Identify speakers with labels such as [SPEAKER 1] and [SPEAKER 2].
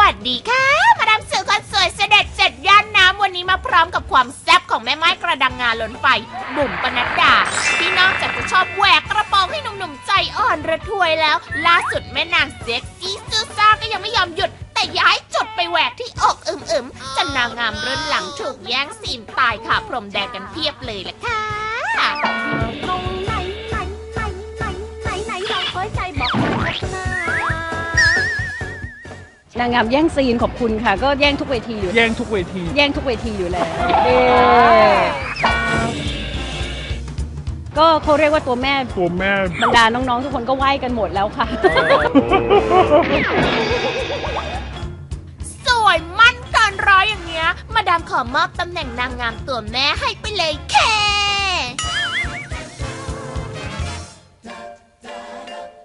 [SPEAKER 1] วัสดีค่ะมาดามสื่อคนสวยเสด็จเสร็จย่านน้ำวันนี้มาพร้อมกับความแซ่บของแม่ไม้กระดังงาล้นไฟบุ๋มปนัดดาที่นอกจากจะชอบแหวกกระโปรงให้หนุ่มๆใจอ่อนระทวยแล้วล่าสุดแม่นางเซ็กซี่ซูซ่าก็ยังไม่ยอมหยุดแต่ย้ายจุดไปแหวกที่อกอึมๆจนนางงามรุ่นหลังถูกแย่งซีนตายค่ะพรมแดงกันเพียบเลยล่ะค่ะตรงไหนเราเคยใจบอกมาสักน
[SPEAKER 2] นางงามแย่งซีนขอบคุณค่ะก็แย่งทุกเวทีอยู่
[SPEAKER 3] แย่งทุกเวที
[SPEAKER 2] อยู่แล้วก็เขาเรียกว่าตัวแม่บรรดาน้องๆทุกคนก็ไหว้กันหมดแล้วค่ะ
[SPEAKER 1] สวยมั่นเกินร้อยอย่างเงี้ยมาดามขอมอบตำแหน่งนางงามตัวแม่ให้ไปเลยแค่